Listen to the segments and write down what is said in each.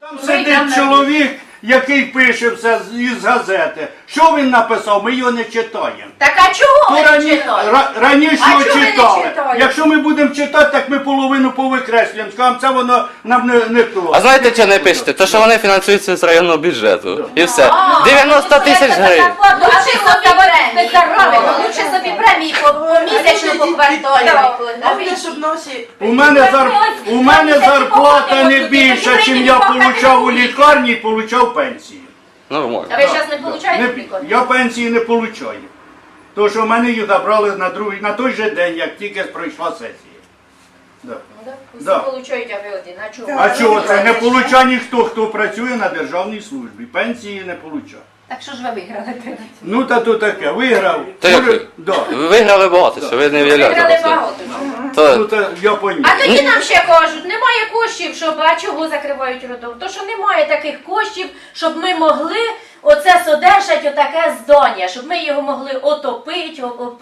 Там сидить чоловік, який пише все із газети. Що він написав? Ми його не читаємо. Так а чого ви не читаєте? Раніше А його чого ви не читали. читаєте? Якщо ми будемо читати, так ми половину повикреслюємо. Скажемо, це воно нам не то. А знаєте, чого не пишете? То, що вони фінансуються з районного бюджету. І все. 90 тисяч гривень. Лучше собі премії, лучше собі премії по місячну, по кварталі. У мене зарплата не більша, чим я отримав у лікарні і отримав пенсію. Нормально. А ви зараз не получаєте? Я пенсії не отримую. Тому що в мене їх забрали на той же день, як тільки пройшла сесія. Да. Всі Да. получають, а ви один. А чого? А чого це? Не получає ніхто, хто працює на державній службі. Пенсії не получає. Так що ж ви виграли? Ну та то таке, виграв. Та як ви? Да. Ви виграли багато, що ви не Виграли виявляєте. багато. Ну То та я поняв. А тоді нам ще кажуть, немає коштів, щоб, а чого закривають роддом? То що немає таких коштів, щоб ми могли оце содержати отаке здання, щоб ми його могли отопити,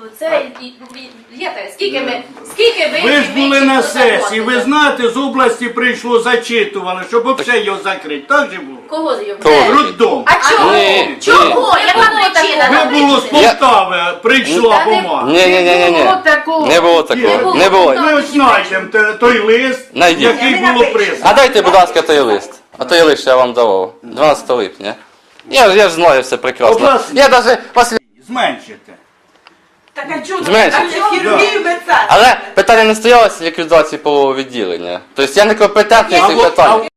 скільки ви Ви ж були на заплатили? сесії, ви знаєте, з області прийшло зачитували, щоб взагалі його закрити. Так же було? Кого зйомляють? Кого? Роддом. А чого? Ні, Чого? Яка причина? Ви було з Полтави, прийшла Та не- бумага. ні. Не було такого. Не було. Ми ось знайдемо той лист, Знайдіть. який було А прислано. дайте, будь ласка, той лист. А той лист що я вам давав. 12 липня. Я ж знаю все прекрасно. Обласний. Я навіть Зменшите. Так а чого? Зменшити. А це хірургію медсестри. Але питання не стоялося ліквідації полового відділення. Тобто я не компетентний в цих питаннях.